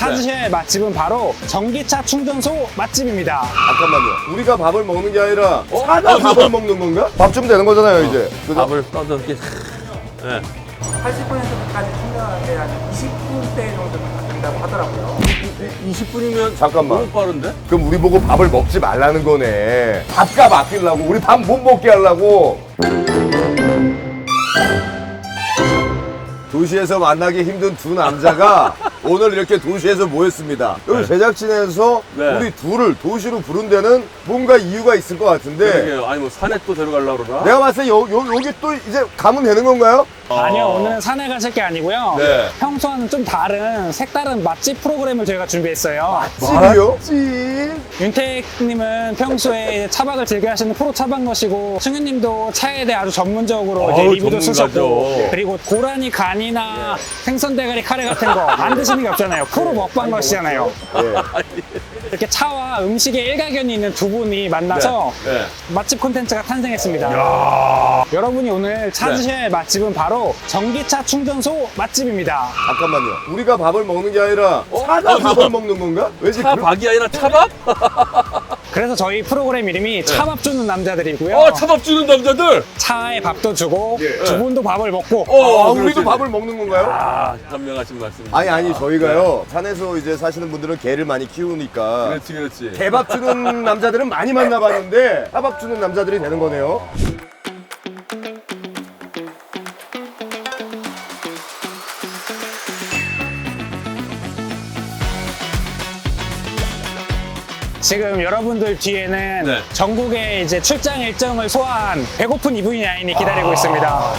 찾으셔야 할 맛집은 바로 전기차 충전소 맛집입니다. 잠깐만요. 우리가 밥을 먹는 게 아니라 차가 밥을 먹는 건가? 밥 주면 되는 거잖아요, 이제. 그죠? 밥을 떠서 이렇게. 네. 80%까지 충전하는데 한 20분대 정도면 된다고 하더라고요. 20분이면 잠깐만. 너무 빠른데? 그럼 우리 보고 밥을 먹지 말라는 거네. 밥값 아끼려고, 우리 밥 못 먹게 하려고. 도시에서 만나기 힘든 두 남자가 오늘 이렇게 도시에서 모였습니다. 여기 제작진에서 네. 우리 둘을 도시로 부른 데는 뭔가 이유가 있을 것 같은데 그러게요. 아니 뭐 산에 또 데려가려고 그러나? 내가 봤을 때 여기 또 이제 가면 되는 건가요? 아니요, 오늘은 산에 가실 게 아니고요. 네. 평소와는 좀 다른 색다른 맛집 프로그램을 저희가 준비했어요. 집이요? 윤택님은 평소에 차박을 즐겨 하시는 프로 차박러시고 승윤님도 차에 대해 아주 전문적으로 이제 아우, 리뷰도 전문가죠. 쓰셨고 그리고 고라니 간이나 생선 대가리 카레 같은 거 안 드시는 게 없잖아요. 프로 먹방러시잖아요. 이렇게 차와 음식의 일가견이 있는 두 분이 만나서 네. 맛집 콘텐츠가 탄생했습니다. 여러분이 오늘 찾으셔야 할 맛집은 바로 전기차 충전소 맛집입니다. 잠깐만요. 우리가 밥을 먹는 게 아니라 차가 밥을 먹는 건가? 왠지 차박이 아니라 차밥? 그래서 저희 프로그램 이름이 차밥 주는 남자들이고요. 차밥 주는 남자들! 차에 밥도 주고 예. 두 분도 밥을 먹고 우리도 밥을 먹는 건가요? 아, 현명하신 말씀. 아니 저희가요 산에서 이제 사시는 분들은 개를 많이 키우니까 그렇지. 개밥 주는 남자들은 많이 만나봤는데 차밥 주는 남자들이 되는 거네요. 지금 여러분들 뒤에는 네. 전국의 이제 출장 일정을 소화한 배고픈 EV9이 기다리고 있습니다.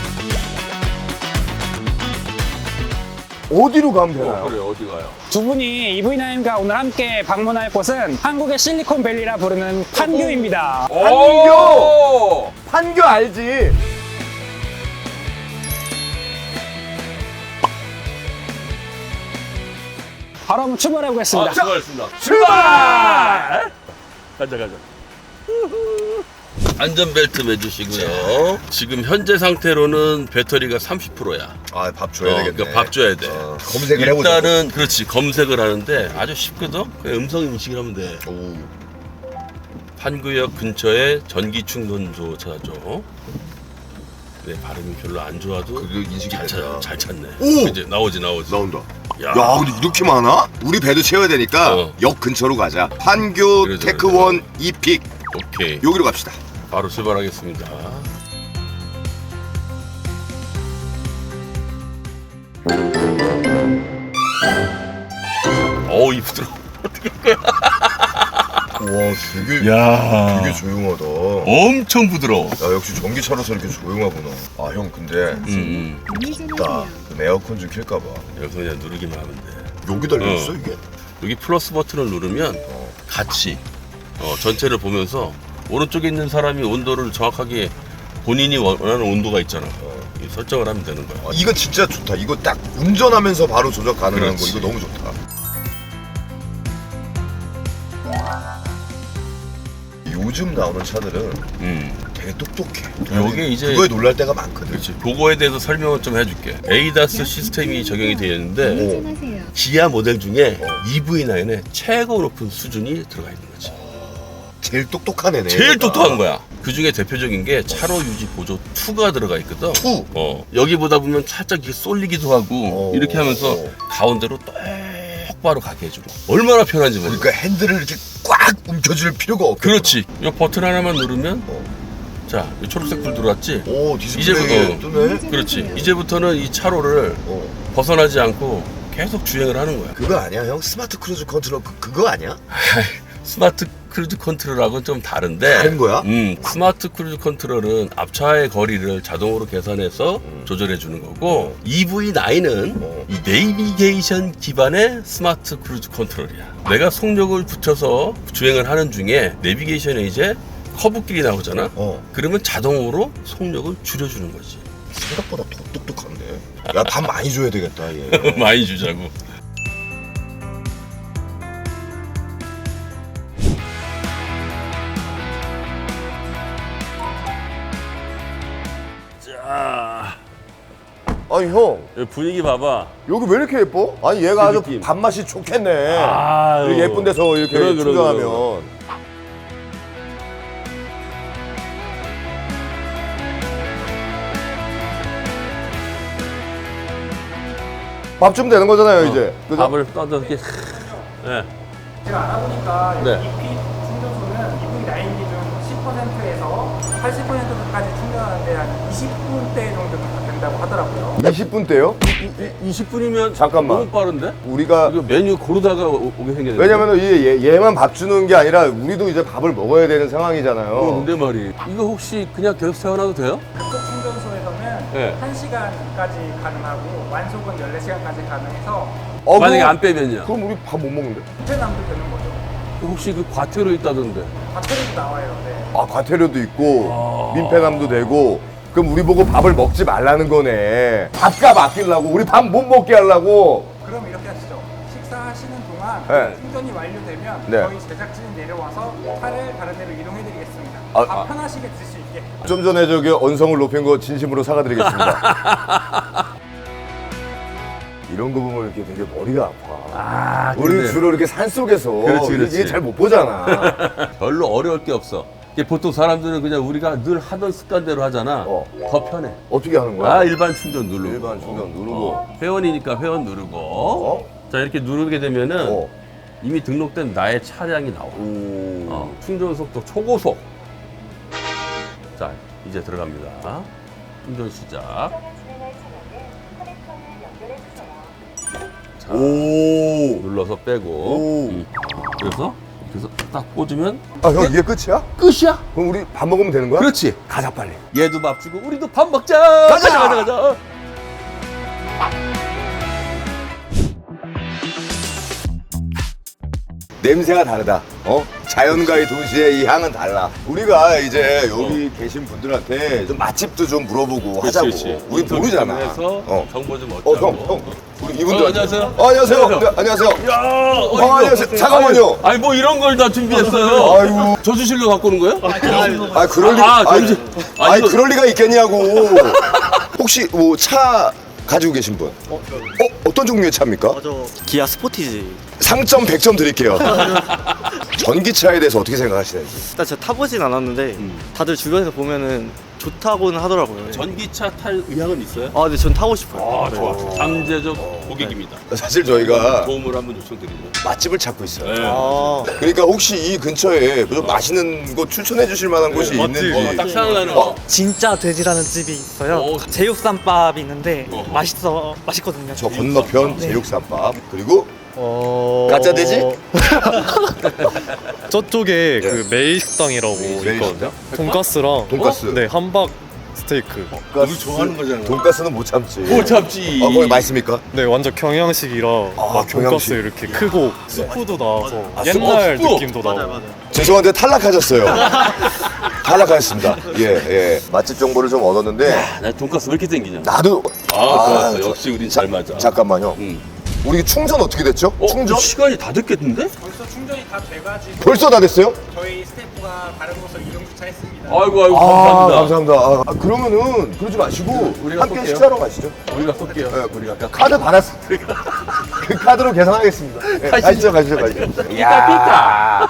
어디로 가면 되나요? 그래, 어디 가요? 두 분이 EV9과 오늘 함께 방문할 곳은 한국의 실리콘밸리라 부르는 판교입니다. 판교! 판교 알지? 바로 한번 출발해 보겠습니다. 수고하셨습니다. 출발! 가자. 안전벨트 매주시고요. 지금 현재 상태로는 배터리가 30%야. 아 밥 줘야 되겠네. 그러니까 밥 줘야 돼. 검색을 해보자. 일단은 그렇지 검색을 하는데 아주 쉽거든. 그냥 음성 인식을 하면 돼. 판구역 근처에 전기 충전소 찾아줘. 내 발음이 별로 안 좋아도 그거 인식이 잘 찾네. 오! 이제 나오지. 나온다. 야. 근데 이렇게 많아? 우리 배도 채워야 되니까 어. 역 근처로 가자. 판교 그러자, 테크원 이픽 오케이. 여기로 갑시다. 바로 출발하겠습니다. 어우 이쁘더라. 와 되게 야, 되게 조용하다. 엄청 부드러워. 야 역시 전기차라서 이렇게 조용하구나. 아 형 근데 춥다. 그럼 에어컨 좀 켤까봐. 여기서 그냥 누르기만 하면 돼. 여기 달려 있어 어. 이게? 여기 플러스 버튼을 누르면 같이 전체를 보면서 오른쪽에 있는 사람이 온도를 정확하게 본인이 원하는 온도가 있잖아. 이 설정을 하면 되는 거야. 아, 이거 진짜 좋다. 이거 딱 운전하면서 바로 조작 가능한 그렇지. 거 이거 너무 좋다. 요즘 나오는 차들은 되게 똑똑해. 요게 이제 그거에 놀랄 때가 많거든. 그렇지. 그거에 대해서 설명을 좀 해줄게. 에이다스 시스템이 적용이 되어 있는데 기아 모델 중에 EV9에 최고 높은 수준이 들어가 있는 거지. 제일 똑똑한 애네. 제일 얘가. 똑똑한 거야. 그 중에 대표적인 게 차로 유지 보조 2가 들어가 있거든. 2? 여기 보다 보면 살짝 이렇게 쏠리기도 하고 이렇게 하면서 가운데로 똑바로 가게 해주고. 얼마나 편한지 모르겠어. 그러니까 핸들을 이렇게 꽉 움켜줄 필요가 없겠다. 그렇지. 이 버튼 하나만 누르면 자, 이 초록색 불 들어왔지? 오 디스플레이 이제부터 뜨네. 그렇지. 이제부터는 이 차로를 벗어나지 않고 계속 주행을 하는 거야. 그거 아니야 형? 스마트 크루즈 컨트롤 그거 아니야? 스마트 크루즈 컨트롤하고는 좀 다른데. 다른 거야? 스마트 크루즈 컨트롤은 앞차의 거리를 자동으로 계산해서 조절해 주는 거고 EV9은 이 내비게이션 기반의 스마트 크루즈 컨트롤이야. 내가 속력을 붙여서 주행을 하는 중에 내비게이션에 이제 커브길이 나오잖아. 그러면 자동으로 속력을 줄여주는 거지. 생각보다 더 똑똑한데. 야 밥 많이 줘야 되겠다 얘. 많이 주자고. 아니 형 여기 분위기 봐봐. 여기 왜 이렇게 예뻐? 아니 얘가 아주 느낌. 밥맛이 좋겠네. 아유. 이렇게 예쁜 데서 이렇게 그럼. 충전하면. 밥 주면 되는 거잖아요 이제. 그죠? 밥을 떠서 이렇게. 네. 제가 알아보니까 네. EP 충전소는 EV9 기준 10%에서 80%까지 충전하는데 한 20분대 정도면 된다고 하더라고요. 20분대요? 20분이면 잠깐만. 너무 빠른데? 우리가 이거 메뉴 고르다가 오게 생겼네. 왜냐면은 얘만 밥 주는 게 아니라 우리도 이제 밥을 먹어야 되는 상황이잖아요. 근데 말이 이거 혹시 그냥 계속 세워놔도 돼요? 급속 충전소에서는 네. 1시간까지 가능하고 완속은 14시간까지 가능해서 만약에 그럼- 안 빼면요? 그럼 우리 밥 못 먹는데? 부패남도 되는 거죠. 혹시 그 과태료 있다던데? 배터리도 나와요. 네. 아 과태료도 있고 민폐남도 되고 그럼 우리 보고 밥을 먹지 말라는 거네. 밥값 아끼려고 우리 밥 못 먹게 하려고. 그럼 이렇게 하시죠. 식사하시는 동안 네. 충전이 완료되면 네. 저희 제작진이 내려와서 차를 다른 데로 이동해드리겠습니다. 아, 밥 편하시게 드실 수 있게. 좀 전에 저기 언성을 높인 거 진심으로 사과드리겠습니다. 이런 거 보면 이렇게 되게 머리가 아파. 우리 근데 주로 이렇게 산 속에서 그렇지, 그렇지. 이게 잘 못 보잖아. 별로 어려울 게 없어. 이게 보통 사람들은 그냥 우리가 늘 하던 습관대로 하잖아. 더 편해. 어떻게 하는 거야? 일반 충전 누르고. 일반 충전 누르고. 회원이니까 회원 누르고. 어? 자, 이렇게 누르게 되면은 어. 이미 등록된 나의 차량이 나와. 충전 속도 초고속. 자, 이제 들어갑니다. 충전 시작. 자, 오. 눌러서 빼고. 오. 그래서 딱 꽂으면 아, 형 이게 끝이야? 끝이야. 그럼 우리 밥 먹으면 되는 거야? 그렇지. 가자 빨리. 얘도 밥 주고 우리도 밥 먹자. 가자! 가자. 냄새가 다르다. 자연과의 동시에 이 향은 달라. 우리가 이제 여기 계신 분들한테 좀 맛집도 좀 물어보고 하자고. 우리 모르잖아. 해서 어. 정보 좀 얻자고. 형. 우리 이분들. 안녕하세요. 안녕하세요. 안녕하세요. 네, 안녕하세요. 야, 안녕하세요. 잠깐만요. 아니 뭐 이런 걸 다 준비했어요. 아이고. 저수실로 갖고 오는 거예요? 아, 그럴 리. 정신. 아니, 그럴 리가 있겠냐고. 혹시 뭐 차 가지고 계신 분? 어떤 종류의 차입니까? 저 기아 스포티지. 상점 100점 드릴게요. 전기차에 대해서 어떻게 생각하시는지. 일단 제가 타보진 않았는데 다들 주변에서 보면은 좋다고는 하더라고요. 전기차 탈 의향은 있어요? 아, 근데 전 타고 싶어요. 아, 좋아. 잠재적 고객입니다. 사실 저희가 도움을 한번 요청드리죠. 맛집을 찾고 있어요. 네. 아, 그러니까 혹시 이 근처에 좀 맛있는 곳 추천해 주실 만한 곳이 있는지. 딱 생각나는 거. 진짜 돼지라는 집이 있어요. 오. 제육쌈밥이 있는데 어허. 맛있거든요. 저 건너편 제육쌈밥 그리고 가짜 돼지? 저쪽에 예. 그 메이식당이라고 있거든요. 돈가스랑 돈가스. 네, 함박 스테이크. 우리 좋아하는 거잖아. 돈가스는 못 참지. 못 참지. 거기 맛있습니까? 네, 완전 경양식이라 막 돈가스 경양식. 이렇게 크고 스프도 나와서 스프? 옛날 스프? 느낌도 나고. 죄송한데 탈락하셨어요. 탈락하셨습니다. 예. 맛집 정보를 좀 얻었는데 나 돈가스 왜 이렇게 땡기냐? 나도 좋았어. 역시 우린 잘 맞아. 잠깐만요. 우리 충전 어떻게 됐죠? 충전 시간이 다 됐겠는데? 벌써 충전이 다 돼가지고 벌써 다 됐어요? 저희 스태프가 다른 곳으로 이동 주차했습니다. 아이고 감사합니다. 감사합니다. 그러면은 그러지 마시고 우리가 함께 쏠게요. 식사하러 가시죠. 우리가 쏠게요. 네, 우리가 카드 받았으니까 그 카드로 계산하겠습니다. 네, 가시죠. 삐까.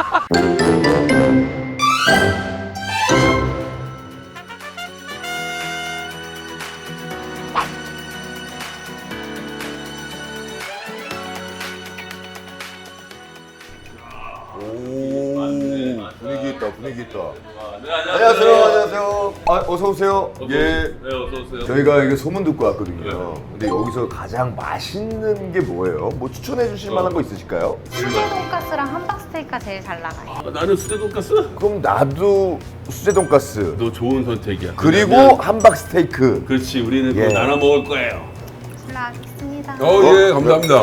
분위기 있다. 안녕하세요. 어서 오세요. 예. 네, 어서 오세요. 저희가 이게 소문 듣고 왔거든요. 근데 여기서 가장 맛있는 게 뭐예요? 뭐 추천해 주실 만한 거 있으실까요? 수제 돈가스랑 함박 스테이크가 제일 잘 나가요. 나는 수제 돈가스? 그럼 나도 수제 돈가스 너 좋은 선택이야. 그리고 왜냐면- 함박 스테이크. 그렇지 우리는 예. 그거 나눠 먹을 거예요. 올라가겠습니다. 예, 감사합니다.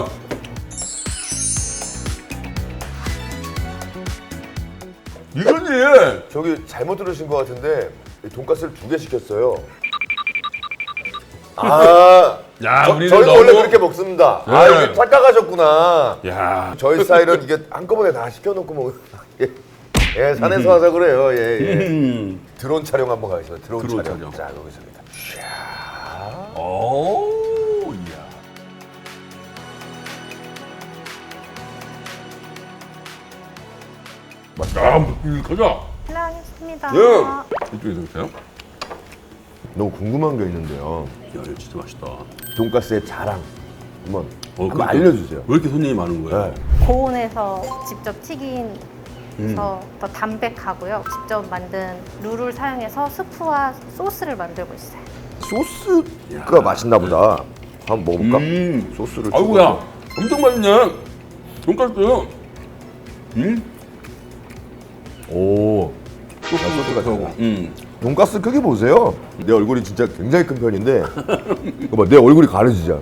이거지. 저기 잘못 들으신 것 같은데 돈가스를 2개 시켰어요. 야, 우리는 저희는 너무- 원래 그렇게 먹습니다. 네. 여기 착각하셨구나. 야, 저희 스타일은 이게 한꺼번에 다 시켜놓고 예, 산에서 하자 그래요. 예. 드론 촬영 한번 가겠습니다. 드론 드론 촬영. 촬영. 자, 여기서입니다. 오, 이야. 맛있다. 가자. 실례하겠습니다. 이쪽에서 보세요. 너무 궁금한 게 있는데요. 야, 이거 진짜 맛있다. 돈가스의 자랑 한번 그러니까 알려주세요. 왜 이렇게 손님이 많은 거야? 네. 고온에서 직접 튀긴서 더 담백하고요. 직접 만든 룰을 사용해서 스프와 소스를 만들고 있어요. 소스가 맛있나 보다. 한번 먹어볼까? 소스를. 아이고야, 엄청 맛있네. 돈가스. 오. 소스가 들어가고. 돈가스 크기 보세요. 내 얼굴이 진짜 굉장히 큰 편인데, 이거 봐, 내 얼굴이 가려지잖아.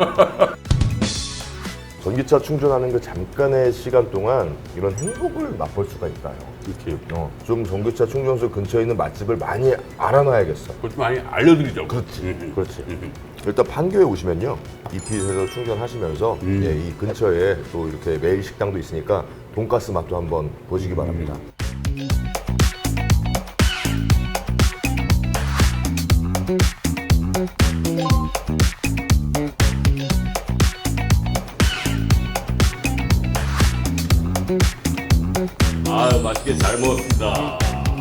전기차 충전하는 그 잠깐의 시간 동안 이런 행복을 맛볼 수가 있다요. 이렇게. 좀 전기차 충전소 근처에 있는 맛집을 많이 알아놔야겠어. 그걸 좀 많이 알려드리죠. 그렇지. 일단 판교에 오시면요, 이핏에서 충전하시면서 이 근처에 또 이렇게 매일 식당도 있으니까 돈가스 맛도 한번 보시기 바랍니다. 아, 맛있게 잘 먹었습니다.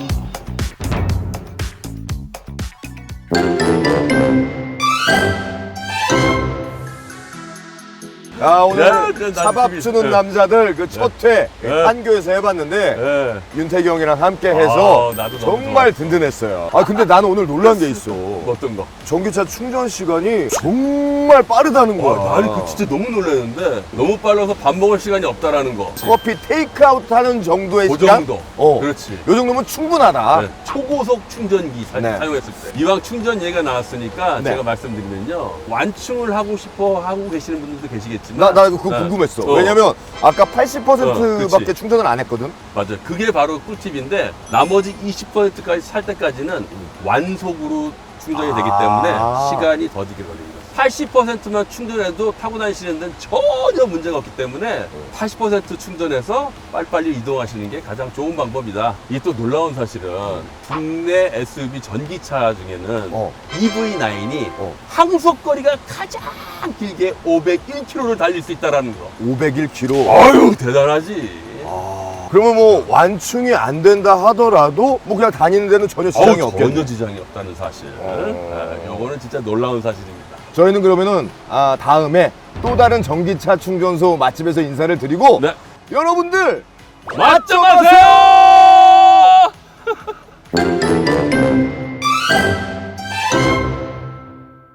오늘 네, 차밥 난 주는 네. 남자들 그 첫 회 네. 판교에서 해봤는데 네. 윤태기 형이랑 함께 해서 나도 너무 정말 든든했어요. 근데 나는 오늘 놀란 게 있어. 어떤 거? 전기차 충전 시간이 정말 빠르다는 거야. 나는 그 진짜 너무 놀랐는데 너무 빨라서 밥 먹을 시간이 없다라는 거. 커피 테이크아웃 하는 정도의 그 시간? 정도. 그렇지. 요 정도면 충분하다. 네, 초고속 충전기 네. 사용했을 때. 이왕 충전 얘기가 나왔으니까 네. 제가 말씀드리면요. 완충을 하고 싶어 하고 계시는 분들도 계시겠지만. 나 그거 네. 궁금했어. 왜냐면 아까 80%밖에 그치. 충전을 안 했거든. 맞아요. 그게 바로 꿀팁인데 나머지 20%까지 살 때까지는 완속으로 충전이 되기 때문에 시간이 더 길게 걸립니다. 80%만 충전해도 타고 다니시는 데는 전혀 문제가 없기 때문에 80% 충전해서 빨리빨리 이동하시는 게 가장 좋은 방법이다. 이 또 놀라운 사실은 국내 SUV 전기차 중에는 EV9이 항속거리가 가장 길게 501km를 달릴 수 있다는 거. 501km. 아유, 대단하지. 그러면 뭐 완충이 안 된다 하더라도 뭐 그냥 다니는 데는 전혀 지장이 없겠네. 전혀 지장이 없다는 사실. 요거는 진짜 놀라운 사실입니다. 저희는 그러면은 다음에 또 다른 전기차 충전소 맛집에서 인사를 드리고 네. 여러분들 맛 좀 하세요!